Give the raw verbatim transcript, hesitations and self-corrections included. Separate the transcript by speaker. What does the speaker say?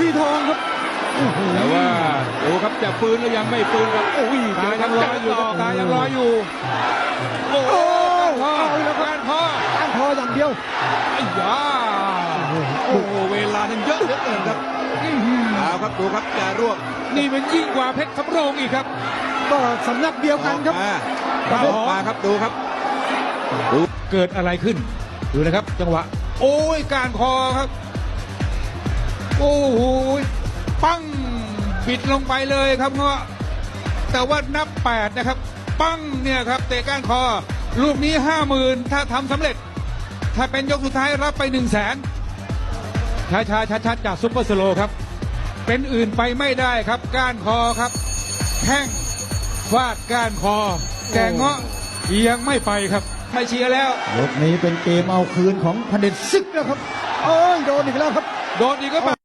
Speaker 1: ทีทองครับ
Speaker 2: แต่ว่าดูครับจะฟื้นหรือยังไม่ฟื้นครับโอ้ยตายังรออยู่ครับตายังรออยู่โอ้โหการพ่อแล้วการพ่อ
Speaker 1: ตั้งคออย่างเดียว
Speaker 2: ไอ้ยาโอ้โหเวลานั้นเยอะเหลือเกินครับเอาครับดูครับจะรวบนี่มันยิ่งกว่าเพชรสำโรงอีกครับ
Speaker 1: ก็สำนักเดียวกันครับ
Speaker 2: ออกมาครับดูครับดูเกิดอะไรขึ้นดูนะครับ จังหวะโอ้ยการคอครับโอ้โหปั้งบิดลงไปเลยครับเงาะแต่ว่านับแปดนะครับปั้งเนี่ยครับเตะก้านคอลูกนี้ห้าหมื่นถ้าทำสำเร็จถ้าเป็นยกสุดท้ายรับไปหนึ่งแสนช้าช้าชัดชัดจากซุปเปอร์สโลครับเป็นอื่นไปไม่ได้ครับก้านคอครับแข้งฟาดก้านคอแต่เงาะยังไม่ไปครับไม่เชียร์แล้ว
Speaker 1: ยกนี้เป็นเกมเอาคืนของพเด็จศึกแล้วครับโอ้ยโดนอีกแล้วครับ
Speaker 2: โดนอีกก็